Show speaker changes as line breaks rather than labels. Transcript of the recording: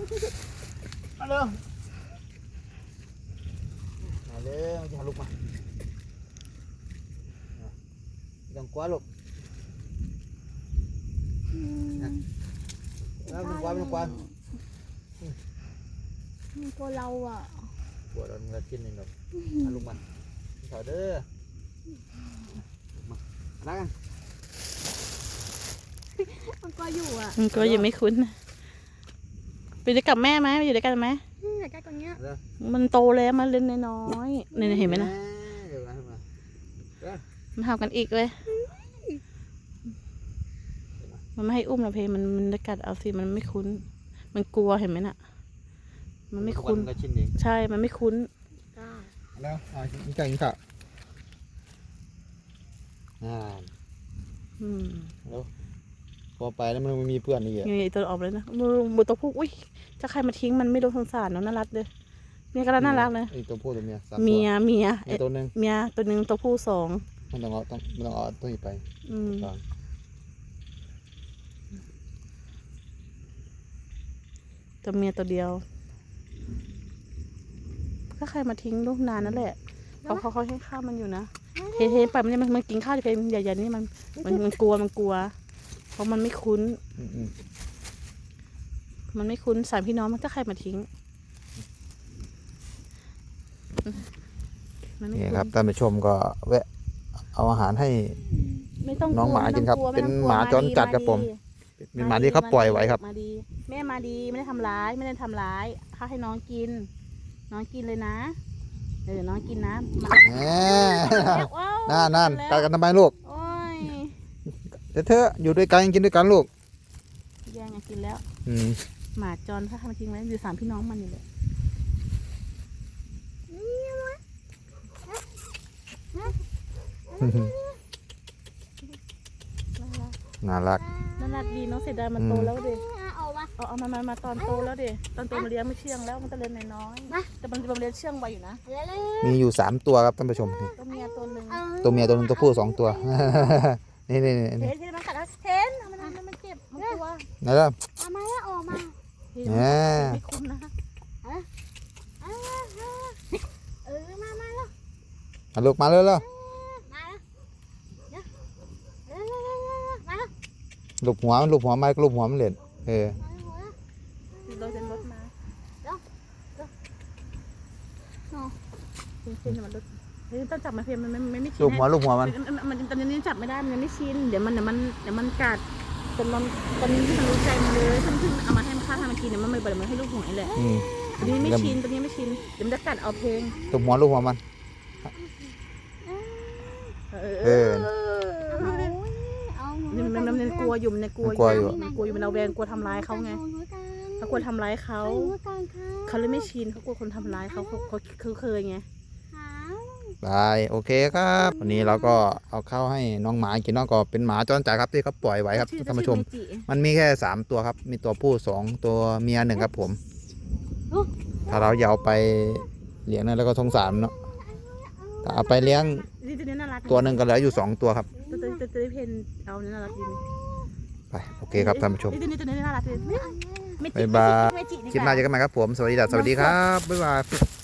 มาเร็วมาเร็วจะลุกมาต้องกลัวลูกแล้วมันกลัวมันกลัว
มันกลัวเราอ่ะ
กลัวโดนกระชิ้นหนึ่งหรอกมาลุกมาถอยเด้อมาแล้วกัน
มันกลัวอยู่อ่ะ
มันก็ยังไม่คุ้นไปด้วยกับแม่ไหมไปอยู่ด้วยกันไหม
อยากได้ตัวเนี้ย
มันโตแล้วมันเล่นน้อยเนี่ยเห็นไหมนะมันเห่ากันอีกเลยมันไม่ให้อุ้มเราเพมันจะกัดเอาสิมันไม่คุ้นมันกลัวเห็นไหมน่ะมันไม่คุ้นใช่มันไม่คุ้น
แล้วกินไก่กินข้าวแล้วพอไปแล้วมันมีเพื่อนนี่
นี่ตัวออกเลยนะมือตัวผู้อุ้ยจะใครมาทิ้งมันไม่รู้สงสารเนาะน่ารักเลยเนี่ยก็น่ารักเลย
ตัวผู้ตัวเมีย
ตัวนึงเมียตัวนึงตัวผู้2
มันต้องเอาตัวนี้ไป
ตัวเมียตัวเดียวถ้าใครมาทิ้งลูกนานนั่นแหละเขาให้ข้าวมันอยู่นะเฮ้ไปมันกินข้าวเพลใหญ่ๆนี่มันกลัวเพราะมันไม่คุ้นสามพี่น้องมันถ้าใครมาทิ้ง
นี่ครับท่านผู้ชมก็แวะเอาอาหารให้น้องหมากินครับเป็นหมาจรจัดครับผมเป็นหมาที่เขาปล่อยไว้ครับ
แม่มาดีไม่ได้ทำร้ายเขาให้น้องกินเลยนะน้องกินนะ
นั่นกัดกันทำไมลูกเธออยู่ด้วยกันกินด้วยกันลูก
แย่งกินแล้วหมาจรถ้าทำทิ้งไว้อยู่3พี่น้องมันอยู่เลย
น่ารัก
ดีน้องเสียดายมันโตแล้วดิเอามาตอนโตแล้วดิตอนโตมาเลี้ยงไม่เชื่องแล้วมันจะเลี้ยงน้อยแต่มันเลี้ยงเชื่องไวอยู่นะ
มีอยู่3ตัวครับท่านผู้ชม
ตัวเมียตัวนึง
ตัวผู้2ตัวนี่
เห็นมันกัดแล้วเห็นมันเจ็บมันกลัว
ไหนล่ะ
มาแล้วออกมา
ไม่คุ้นนะ
มาลูกมาเลยแล้วลูกหัวมันเล่น
เราจะรถมาต้องจับมาเพียงมันไม่ชิน
ลูกหัวมัน
ตอนนี้จับไม่ได้มันยังไม่ชินเดี๋ยวมันกัดตอนนี้ที่มันรู้ใจมันเลยซึ่งเอามาให้มันฆ่าทำมันกินเนี่ยมันไม่บ่อยมันให้ลูกหัวนี่แหละตอนนี้ไม่ชินเดี๋ยวมันจะกัดเอาเพลง
ลูกหัวมัน
มันกลัวอยู่มันเอาแวงกลัวทำร้ายเขาไงเขากลัวทำร้ายเขาเลยไม่ชินเขากลัวคนทำร้ายเขาเคยไง
ได้โอเคครับวันนี้เราก็เอาเข้าให้น้องหมากินน้องก็เป็นหมาจรจัดครับที่เขาปล่อยไว้ครับท่านผู้ชมมันมีแค่3ตัวครับมีตัวผู้2ตัวเมีย1ครับผมถ้าเราอยากเอาไปเลี้ยงนั่นแล้วก็สงสารเนาะถ้าเอาไปเลี้ยงตัวนึงก็เหลืออยู่2ตัวครับ
ตัวเพนเอาเนี่ยน่ารักดี
ไปโอเคครับท่านผู้ชม
ตัวนี้น่ารักดี
บ๊ายบายคลิปหน้าเจอกันใหม่ครับผมสวัสดีครับบ๊ายบาย